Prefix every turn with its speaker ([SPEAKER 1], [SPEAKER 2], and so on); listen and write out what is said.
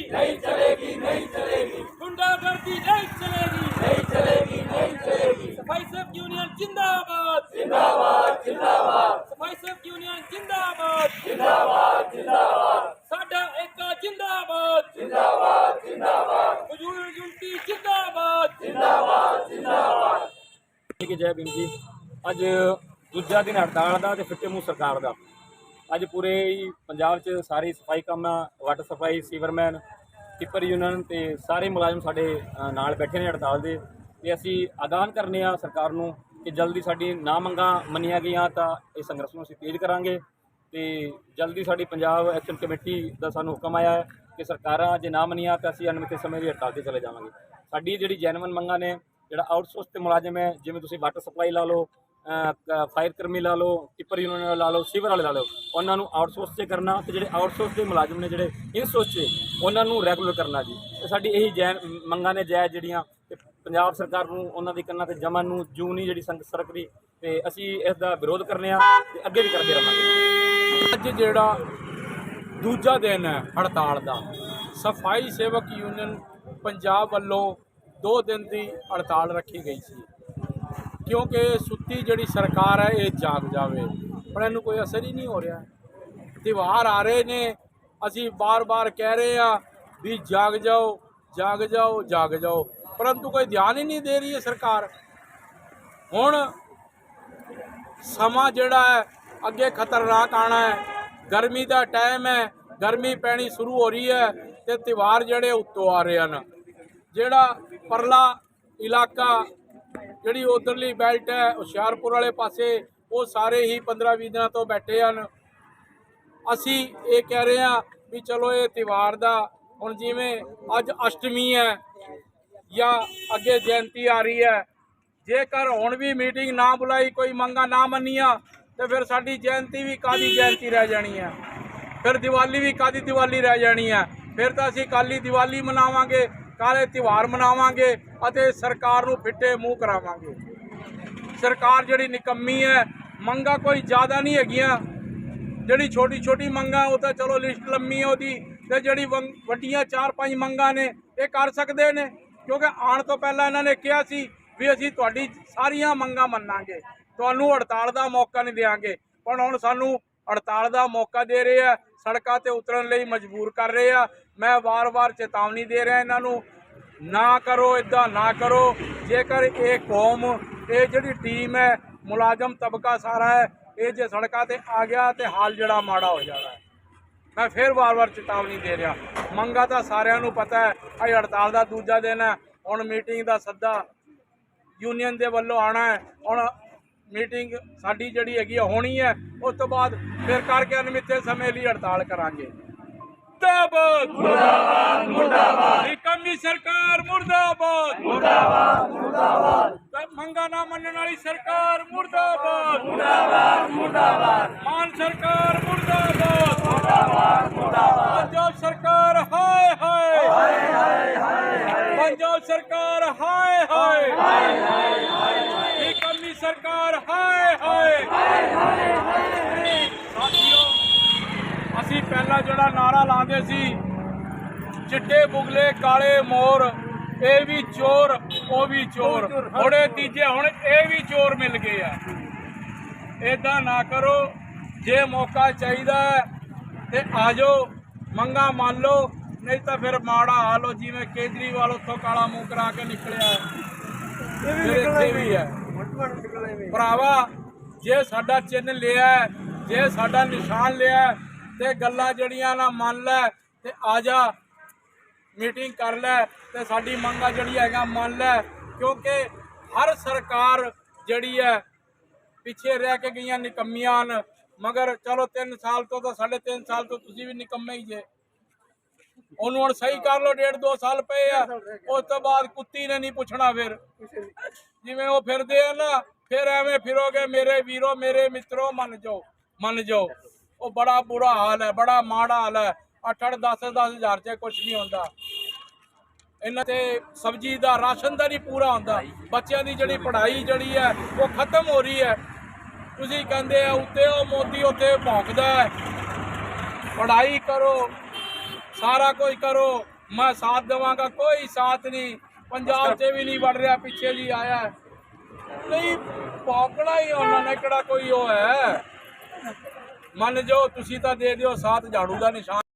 [SPEAKER 1] नहीं चलेगी, नहीं चलेगी,
[SPEAKER 2] गुंडागर्दी नहीं चलेगी,
[SPEAKER 1] नहीं चलेगी, नहीं चलेगी।
[SPEAKER 2] सफाई सेवक यूनियन जिंदाबाद,
[SPEAKER 1] जिंदाबाद, जिंदाबाद,
[SPEAKER 2] सफाई सेवक यूनियन जिंदाबाद,
[SPEAKER 1] जिंदाबाद, जिंदाबाद,
[SPEAKER 2] साडा एकता जिंदाबाद,
[SPEAKER 1] जिंदाबाद, जिंदाबाद,
[SPEAKER 2] फजूल यूनिटी जिंदाबाद,
[SPEAKER 1] जिंदाबाद, जिंदाबाद।
[SPEAKER 2] ठीक है। जय भीम जी। ਅੱਜ ਦੂਜਾ ਦਿਨ ਹੜਤਾਲ ਦਾ ਤੇ ਫਿੱਟੇ ਮੂੰਹ ਸਰਕਾਰ ਦਾ। ਅੱਜ ਪੂਰੇ ਹੀ ਪੰਜਾਬ 'ਚ ਸਾਰੇ ਸਫਾਈ ਕਾਮਾਂ, ਵਾਟਰ ਸਫਾਈ, ਸੀਵਰਮੈਨ, ਟਿੱਪਰ ਯੂਨੀਅਨ ਤੇ ਸਾਰੇ ਮੁਲਾਜ਼ਮ ਸਾਡੇ ਨਾਲ ਬੈਠੇ ਨੇ ਹੜਤਾਲ ਦੇ। ਤੇ ਅਸੀਂ ਆਗਾਹ ਕਰਨੇ ਆ ਸਰਕਾਰ ਨੂੰ ਕਿ ਜਲਦੀ ਸਾਡੀ ਨਾ ਮੰਗਾਂ ਮੰਨੀਆਂ ਗਈਆਂ ਤਾਂ ਇਹ ਸੰਘਰਸ਼ ਨੂੰ ਅਸੀਂ ਤੇਜ਼ ਕਰਾਂਗੇ। ਤੇ ਜਲਦੀ ਸਾਡੀ ਪੰਜਾਬ ਐਕਸ਼ਨ ਕਮੇਟੀ ਦਾ ਸਾਨੂੰ ਹੁਕਮ ਆਇਆ ਹੈ ਕਿ ਸਰਕਾਰਾਂ ਜੇ ਨਾ ਮੰਨੀਆਂ ਤਾਂ ਅਸੀਂ ਅਣਮਿੱਥੇ ਸਮੇਂ ਲਈ ਹੜਤਾਲ 'ਤੇ ਚਲੇ ਜਾਵਾਂਗੇ। ਸਾਡੀ ਜਿਹੜੀ ਜੈਨੂਇਨ ਮੰਗਾਂ ਨੇ, ਜਿਹੜਾ ਆਊਟਸੋਰਸ ਤੇ ਮੁਲਾਜ਼ਮ ਹੈ, ਜਿਵੇਂ ਤੁਸੀਂ ਵਾਟਰ ਸਪਲਾਈ ਲਾ ਲਓ, ਫਾਇਰ ਕਰਮੀ ਲਾ ਲਓ, ਟਿੱਪਰ ਯੂਨੀਅਨ ਲਾ ਲਓ, ਸੀਵਰ ਵਾਲੇ ਲਾ ਲਓ, ਉਹਨਾਂ ਨੂੰ ਆਊਟਸੋਰਸ 'ਤੇ ਕਰਨਾ ਤੇ ਜਿਹੜੇ ਆਊਟਸੋਰਸ ਦੇ ਮੁਲਾਜ਼ਮ ਨੇ ਜਿਹੜੇ ਇਨਸੋਰਸ 'ਤੇ ਉਹਨਾਂ ਨੂੰ ਰੈਗੂਲਰ ਕਰਨਾ ਜੀ। ਤੇ ਸਾਡੀ ਇਹੀ ਮੰਗਾਂ ਨੇ ਜਾਇਜ਼ ਜਿਹੜੀਆਂ, ਤੇ ਪੰਜਾਬ ਸਰਕਾਰ ਨੂੰ ਉਹਨਾਂ ਦੀ ਕੰਨਾਂ ਤੇ ਜਮਨ ਨੂੰ ਜੂ ਨਹੀਂ ਜਿਹੜੀ ਸਰਕਰੀ, ਤੇ ਅਸੀਂ ਇਸ ਦਾ ਵਿਰੋਧ ਕਰਨੇ ਆ ਤੇ ਅੱਗੇ ਵੀ ਕਰਦੇ ਰਹਾਂਗੇ।
[SPEAKER 3] ਅੱਜ ਜਿਹੜਾ ਦੂਜਾ ਦਿਨ ਹੈ ਹੜਤਾਲ ਦਾ, ਸਫਾਈ ਸੇਵਕ ਯੂਨੀਅਨ ਪੰਜਾਬ ਵੱਲੋਂ 2 ਦਿਨ ਦੀ ਹੜਤਾਲ ਰੱਖੀ ਗਈ ਸੀ ਕਿਉਂਕਿ ਸੁੱਤੀ ਜਿਹੜੀ ਸਰਕਾਰ ਹੈ ਇਹ ਜਾਗ ਜਾਵੇ, ਪਰ ਇਹਨੂੰ ਕੋਈ ਅਸਰ ਹੀ ਨਹੀਂ ਹੋ ਰਿਹਾ। ਤਿਉਹਾਰ ਆ ਰਹੇ ਨੇ, ਅਸੀਂ ਬਾਰ-ਬਾਰ ਕਹਿ ਰਹੇ ਆ ਵੀ ਜਾਗ ਜਾਓ, ਜਾਗ ਜਾਓ, ਜਾਗ ਜਾਓ, ਪਰੰਤੂ ਕੋਈ ਧਿਆਨ ਹੀ ਨਹੀਂ ਦੇ ਰਹੀ ਹੈ ਸਰਕਾਰ। ਹੁਣ ਸਮਾਂ ਜਿਹੜਾ ਹੈ ਅੱਗੇ ਖਤਰਨਾਕ ਆਣਾ ਹੈ, ਗਰਮੀ ਦਾ ਟਾਈਮ ਹੈ, ਗਰਮੀ ਪੈਣੀ ਸ਼ੁਰੂ ਹੋ ਰਹੀ ਹੈ ਤੇ ਤਿਉਹਾਰ ਜਿਹੜੇ ਉੱਤੋਂ ਆ ਰਹੇ ਹਨ। ਜਿਹੜਾ ਪਰਲਾ ਇਲਾਕਾ, ਜਿਹੜੀ ਉਧਰਲੀ ਬੈਲਟ ਹੈ ਹੁਸ਼ਿਆਰਪੁਰ ਵਾਲੇ ਪਾਸੇ, ਉਹ ਸਾਰੇ ਹੀ 15-20 ਦਿਨਾਂ ਤੋਂ ਬੈਠੇ ਹਨ। ਅਸੀਂ ਇਹ ਕਹਿ ਰਹੇ ਹਾਂ ਵੀ ਚਲੋ ਇਹ ਤਿਉਹਾਰ ਦਾ, ਹੁਣ ਜਿਵੇਂ ਅੱਜ ਅਸ਼ਟਮੀ ਹੈ ਜਾਂ ਅੱਗੇ ਜਯੰਤੀ ਆ ਰਹੀ ਹੈ, ਜੇਕਰ ਹੁਣ ਵੀ ਮੀਟਿੰਗ ਨਾ ਬੁਲਾਈ, ਕੋਈ ਮੰਗਾਂ ਨਾ ਮੰਨੀਆਂ, ਤੇ ਫਿਰ ਸਾਡੀ ਜਯੰਤੀ ਵੀ ਕਾਹਦੀ ਜਯੰਤੀ ਰਹਿ ਜਾਣੀ ਹੈ, ਫਿਰ ਦੀਵਾਲੀ ਵੀ ਕਾਹਦੀ ਦੀਵਾਲੀ ਰਹਿ ਜਾਣੀ ਹੈ। ਫਿਰ ਤਾਂ ਅਸੀਂ ਕਾਲੀ ਦੀਵਾਲੀ ਮਨਾਵਾਂਗੇ, ਕਾਲੇ ਤਿਉਹਾਰ ਮਨਾਵਾਂਗੇ ਅਤੇ ਸਰਕਾਰ ਨੂੰ ਫਿੱਟੇ ਮੂੰਹ ਕਰਾਵਾਂਗੇ। ਸਰਕਾਰ ਜਿਹੜੀ ਨਿਕੰਮੀ ਹੈ, ਮੰਗਾਂ ਕੋਈ ਜ਼ਿਆਦਾ ਨਹੀਂ ਹੈਗੀਆਂ, ਜਿਹੜੀ ਛੋਟੀ ਛੋਟੀ ਮੰਗਾਂ ਉਹ ਤਾਂ ਚਲੋ ਲਿਸਟ ਲੰਮੀ ਹੈ ਉਹਦੀ, ਤੇ ਜਿਹੜੀ ਵੱਡੀਆਂ 4-5 ਮੰਗਾਂ ਨੇ ਇਹ ਕਰ ਸਕਦੇ ਨੇ, ਕਿਉਂਕਿ ਆਉਣ ਤੋਂ ਪਹਿਲਾਂ ਇਹਨਾਂ ਨੇ ਕਿਹਾ ਸੀ ਵੀ ਅਸੀਂ ਤੁਹਾਡੀ ਸਾਰੀਆਂ ਮੰਗਾਂ ਮੰਨਾਂਗੇ, ਤੁਹਾਨੂੰ ਹੜਤਾਲ ਦਾ ਮੌਕਾ ਨਹੀਂ ਦੇਵਾਂਗੇ। ਪਰ ਹੁਣ ਸਾਨੂੰ ਹੜਤਾਲ ਦਾ ਮੌਕਾ ਦੇ ਰਹੇ ਆ, ਸੜਕਾਂ ਤੇ ਉਤਰਨ ਲਈ ਮਜਬੂਰ ਕਰ ਰਹੇ ਆ। ਮੈਂ ਵਾਰ-ਵਾਰ ਚੇਤਾਵਨੀ ਦੇ ਰਿਹਾ ਇਹਨਾਂ ਨੂੰ, ਨਾ ਕਰੋ, ਇੱਦਾਂ ਨਾ ਕਰੋ। ਜੇਕਰ ਇਹ ਕੌਮ, ਇਹ ਜਿਹੜੀ ਟੀਮ ਹੈ, ਮੁਲਾਜ਼ਮ ਤਬਕਾ ਸਾਰਾ ਹੈ, ਇਹ ਜੇ ਸੜਕਾਂ ਤੇ ਆ ਗਿਆ ਤੇ ਹਾਲ ਜਿਹੜਾ ਮਾੜਾ ਹੋ ਜਾਣਾ ਹੈ। ਮੈਂ ਫਿਰ ਵਾਰ-ਵਾਰ ਚੇਤਾਵਨੀ ਦੇ ਰਿਹਾ। ਮੰਗਾਂ ਤਾਂ ਸਾਰਿਆਂ ਨੂੰ ਪਤਾ ਹੈ, ਅੱਜ ਹੜਤਾਲ ਦਾ ਦੂਜਾ ਦਿਨ ਹੈ। ਹੁਣ ਮੀਟਿੰਗ ਦਾ ਸੱਦਾ ਯੂਨੀਅਨ ਦੇ ਵੱਲੋਂ ਆਉਣਾ ਹੈ। ਹੁਣ ਮੀਟਿੰਗ ਸਾਡੀ ਜਿਹੜੀ ਹੈਗੀ ਹੋਣੀ ਹੈ, ਉਸ ਤੋਂ ਬਾਅਦ ਫਿਰ ਕਰਕੇ ਅਣਮਿੱਥੇ ਸਮੇਂ ਲਈ ਹੜਤਾਲ ਕਰਾਂਗੇ। ਮੁਰਦਾਬਾਦ, ਮੁਰਦਾਬਾਦ, ਮੁਰਦਾਬਾਦ, ਨਿਕੰਮੀ ਸਰਕਾਰ ਮੁਰਦਾਬਾਦ, ਮੁਰਦਾਬਾਦ, ਮੁਰਦਾਬਾਦ, ਮੰਗਾਂ ਨਾ ਮੰਨਣ ਵਾਲੀ ਸਰਕਾਰ ਮੁਰਦਾਬਾਦ, ਮੁਰਦਾਬਾਦ, ਮੁਰਦਾਬਾਦ, ਮਾਨ ਸਰਕਾਰ ਮੁਰਦਾਬਾਦ, ਮੁਰਦਾਬਾਦ, ਮੁਰਦਾਬਾਦ, ਪੰਜਾਬ ਸਰਕਾਰ ਹਾਏ ਹਾਏ, ਹਾਏ ਹਾਏ, ਹਾਏ, ਪੰਜਾਬ ਸਰਕਾਰ ਹਾਏ ਹਾਏ, ਹਾਏ ਹਾਏ, ਨਿਕੰਮੀ ਸਰਕਾਰ ਹਾਏ ਹਾਏ, ਹਾਏ ਹਾਏ। ਸਾਥੀਓ, ਅਸੀਂ ਪਹਿਲਾਂ ਜਿਹੜਾ ਨਾਰਾ ਲਾਉਂਦੇ ਸੀ, ਚਿੱਟੇ ਬੁਗਲੇ ਕਾਲੇ ਮੋਰ, ਇਹ ਵੀ ਚੋਰ ਉਹ ਵੀ ਚੋਰ, ਹੁਣ ਇਹ ਤੀਜੇ, ਹੁਣ ਇਹ ਵੀ ਚੋਰ ਮਿਲ ਗਏ ਆ। ਇੱਦਾਂ ਨਾ ਕਰੋ, ਜੇ ਮੌਕਾ ਚਾਹੀਦਾ ਤੇ ਆ ਜਾਓ, ਮੰਗਾਂ ਮੰਨ ਲਓ, ਨਹੀਂ ਤਾਂ ਫਿਰ ਮਾੜਾ ਹਾਲ ਹੋ, ਜਿਵੇਂ ਕੇਜਰੀਵਾਲ ਉੱਥੋਂ ਕਾਲਾ ਮੂੰਹ ਕਰਾ ਕੇ ਨਿਕਲਿਆ, ਇੱਥੇ ਵੀ ਹੈ। ਭਰਾਵਾ, ਜੇ ਸਾਡਾ ਚਿੰਨ੍ਹ ਲਿਆ, ਜੇ ਸਾਡਾ ਨਿਸ਼ਾਨ ਲਿਆ, ਤੇ ਗੱਲਾਂ ਜਿਹੜੀਆਂ ਨਾ ਮੰਨ ਲੈ ਤੇ ਆ ਜਾ, ਮੀਟਿੰਗ ਕਰ ਲੈ ਤੇ ਸਾਡੀ ਮੰਗਾਂ ਜਿਹੜੀ ਹੈਗਾ ਮੰਨ ਲੈ। ਕਿਉਂਕਿ ਹਰ ਸਰਕਾਰ ਜਿਹੜੀ ਹੈ ਪਿੱਛੇ ਰਹਿ ਕੇ ਗਈਆਂ ਨਿਕੰਮੀਆਂ ਹਨ, ਮਗਰ ਚਲੋ 3 ਸਾਲ ਤੋਂ ਤਾਂ 3.5 ਸਾਲ ਤੋਂ ਤੁਸੀਂ ਵੀ ਨਿਕੰਮੇ ਹੀ ਜੇ। ਉਹਨੂੰ ਹੁਣ ਸਹੀ ਕਰ ਲਓ, 1.5-2 ਸਾਲ ਪਏ ਆ, ਉਸ ਤੋਂ ਬਾਅਦ ਕੁੱਤੀ ਨੇ ਨਹੀਂ ਪੁੱਛਣਾ। ਫਿਰ ਜਿਵੇਂ ਉਹ ਫਿਰਦੇ ਆ ਨਾ, ਫਿਰ ਐਵੇਂ ਫਿਰੋਗੇ ਮੇਰੇ ਵੀਰੋ, ਮੇਰੇ ਮਿੱਤਰੋ, ਮੰਨ ਜਾਓ, ਮੰਨ ਜਾਓ। ਉਹ ਬੜਾ ਬੁਰਾ ਹਾਲ ਹੈ, ਬੜਾ ਮਾੜਾ ਹਾਲ ਹੈ। 8-8, 10-10 ਹਜ਼ਾਰ 'ਚ ਕੁਛ ਨਹੀਂ ਹੁੰਦਾ। ਇਹਨਾਂ ਤੇ ਸਬਜ਼ੀ ਦਾ, ਰਾਸ਼ਨ ਦਾ ਨਹੀਂ ਪੂਰਾ ਹੁੰਦਾ। ਬੱਚਿਆਂ ਦੀ ਜਿਹੜੀ ਪੜ੍ਹਾਈ ਜਿਹੜੀ ਹੈ ਉਹ ਖਤਮ ਹੋ ਰਹੀ ਹੈ। ਤੁਸੀਂ ਕਹਿੰਦੇ ਆ ਉੱਤੇ ਉਹ ਮੋਦੀ ਉੱਥੇ ਭੌਂਕਦਾ ਹੈ। ਪੜ੍ਹਾਈ ਕਰੋ, ਸਾਰਾ ਕੁਝ ਕਰੋ, ਮੈਂ ਸਾਥ ਦੇਵਾਂਗਾ। ਕੋਈ ਸਾਥ ਨਹੀਂ, ਪੰਜਾਬ 'ਚ ਵੀ ਨਹੀਂ ਵੜ ਰਿਹਾ, ਪਿੱਛੇ ਜੀ ਆਇਆ ਨਹੀਂ, ਪੌਕਣਾ ਹੀ ਉਹਨਾਂ ਨੇ ਕਿਹੜਾ ਕੋਈ ਉਹ ਹੈ। ਮੰਨ ਜਾਓ ਤੁਸੀਂ ਤਾਂ ਦੇ ਦਿਓ ਸਾਥ ਝਾੜੂ ਦਾ ਨਿਸ਼ਾਨ।